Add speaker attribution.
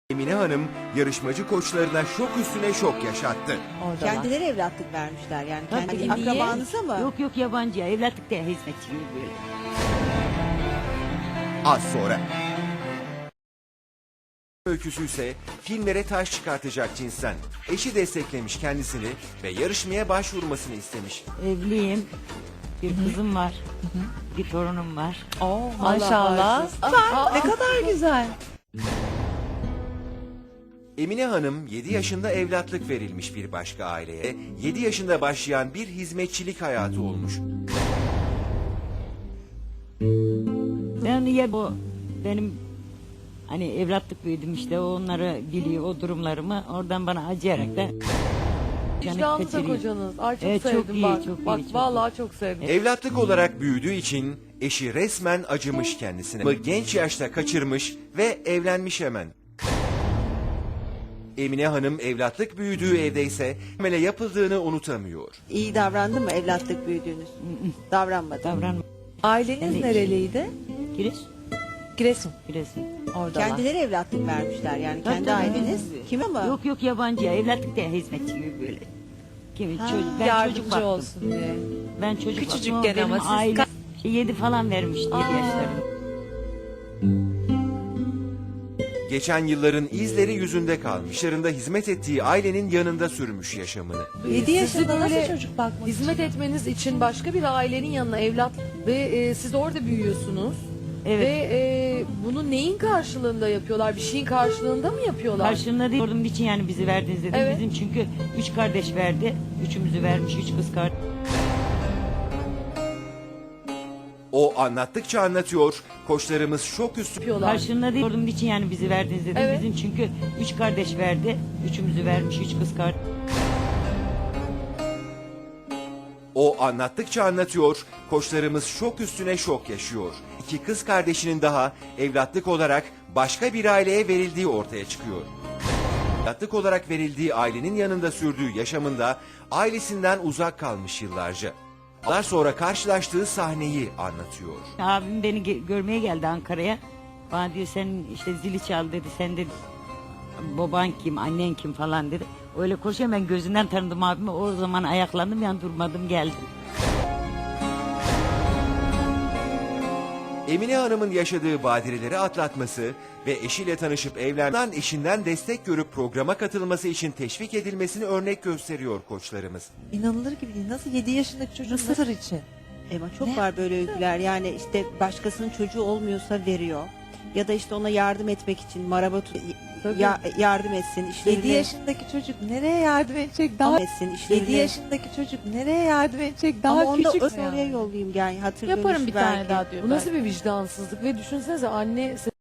Speaker 1: Emine Hanım yarışmacı koçlarına şok üstüne şok yaşattı.
Speaker 2: Oradalar.
Speaker 3: Kendileri evlatlık vermişler yani.
Speaker 2: Tabii,
Speaker 3: Kendi
Speaker 2: niye?
Speaker 3: akrabanıza mı?
Speaker 2: Yok yabancıya evlatlık değil, hizmetçi gibi böyle.
Speaker 1: Az sonra. Öyküsü ise filmlere taş çıkartacak cinsten. Eşi desteklemiş kendisini ve yarışmaya başvurmasını istemiş.
Speaker 2: Evliyim. Bir kızım var. Bir torunum var.
Speaker 4: Maşallah. Ne kadar güzel.
Speaker 1: Emine Hanım 7 yaşında evlatlık verilmiş bir başka aileye, 7 yaşında başlayan bir hizmetçilik hayatı olmuş.
Speaker 2: Ben niye bu benim hani evlatlık büyüdüm işte onları biliyor o durumlarımı oradan bana acıyarak da
Speaker 4: Vicdanlı da kocanız. Ay çok
Speaker 2: Evet, çok
Speaker 4: sevdim
Speaker 2: iyi,
Speaker 4: bak.
Speaker 2: çok iyi,
Speaker 4: Bak
Speaker 2: çok
Speaker 4: vallahi çok sevdim.
Speaker 1: Evlatlık olarak büyüdüğü için eşi resmen acımış kendisine. Genç yaşta kaçırmış ve evlenmiş hemen. Emine Hanım evlatlık büyüdüğü evde ise amele yapıldığını unutamıyor.
Speaker 3: İyi davrandı mı evlatlık büyüdüğünüz? Davranmadı.
Speaker 2: davranma.
Speaker 4: Aileniz
Speaker 2: Evet.
Speaker 4: nereliydi?
Speaker 2: Giriş,
Speaker 4: Giresun.
Speaker 2: giresin.
Speaker 4: Oradalar.
Speaker 3: Kendileri evlatlık vermişler yani.
Speaker 2: Tabii,
Speaker 3: Kendi
Speaker 2: tabii.
Speaker 3: aileniz. Kim ama?
Speaker 2: Yok yabancıya evlatlık değil, hizmetçi gibi böyle. Kim çocuk, ben çocuk
Speaker 4: Yardımcı
Speaker 2: baktım.
Speaker 4: olsun diye.
Speaker 2: Ben çocuk
Speaker 4: Küçücükken
Speaker 2: baktım,
Speaker 4: ama
Speaker 2: benim
Speaker 4: siz
Speaker 2: aile 7 falan vermiş 7 yaşlarında.
Speaker 1: Geçen yılların izleri yüzünde kalmış. Yarında hizmet ettiği ailenin yanında sürmüş yaşamını.
Speaker 4: 7 yaşında
Speaker 5: böyle
Speaker 4: nasıl çocuk bakmak
Speaker 5: Hizmet etmeniz için başka bir ailenin yanına evlat ve siz orada büyüyorsunuz.
Speaker 2: Evet.
Speaker 5: Ve bunu neyin karşılığında yapıyorlar? Bir şeyin karşılığında mı yapıyorlar?
Speaker 2: Karşılığında değil, ordum için yani bizi verdiniz dedim.
Speaker 5: Evet.
Speaker 2: Bizim çünkü 3 kardeş verdi. Üçümüzü vermiş, 3 kız kardeş.
Speaker 1: O anlattıkça anlatıyor, koçlarımız şok üstü.
Speaker 5: Yapıyorlar.
Speaker 2: Karşılığında değil, ordum için yani bizi verdiniz dedim.
Speaker 5: Evet.
Speaker 2: Bizim çünkü 3 kardeş verdi. Üçümüzü vermiş, 3 kız kardeş.
Speaker 1: O anlattıkça anlatıyor, koçlarımız şok üstüne şok yaşıyor. İki kız kardeşinin daha evlatlık olarak başka bir aileye verildiği ortaya çıkıyor. Evlatlık olarak verildiği ailenin yanında sürdüğü yaşamında ailesinden uzak kalmış yıllarca. Yıllar sonra karşılaştığı sahneyi anlatıyor.
Speaker 2: Abim beni görmeye geldi Ankara'ya. Bana diyor sen işte zili çal dedi. Sen de baban kim, annen kim falan dedi. Öyle koşuyor, ben gözünden tanıdım abimi. O zaman ayaklandım, yan durmadım, geldim.
Speaker 1: Emine Hanım'ın yaşadığı badireleri atlatması ve eşiyle tanışıp evlenen eşinden destek görüp programa katılması için teşvik edilmesini örnek gösteriyor koçlarımız.
Speaker 4: İnanılır gibi değil. Nasıl 7 yaşındaki çocuk sır için?
Speaker 3: Ama çok var böyle öyküler. Yani işte başkasının çocuğu olmuyorsa veriyor. Ya da işte ona yardım etmek için maraba yardım etsin
Speaker 4: 7
Speaker 3: işlerini.
Speaker 4: yaşındaki çocuk nereye yardım edecek? Daha
Speaker 3: etsin işlerini.
Speaker 4: 7 yaşındaki çocuk nereye yardım edecek? Daha
Speaker 3: Ama onu da
Speaker 4: küçük.
Speaker 3: oraya yollayayım yani hatırlıyormuş
Speaker 6: Yaparım bir
Speaker 3: belki.
Speaker 6: tane daha diyor.
Speaker 5: Bu nasıl bir vicdansızlık? Ve düşünsenize anne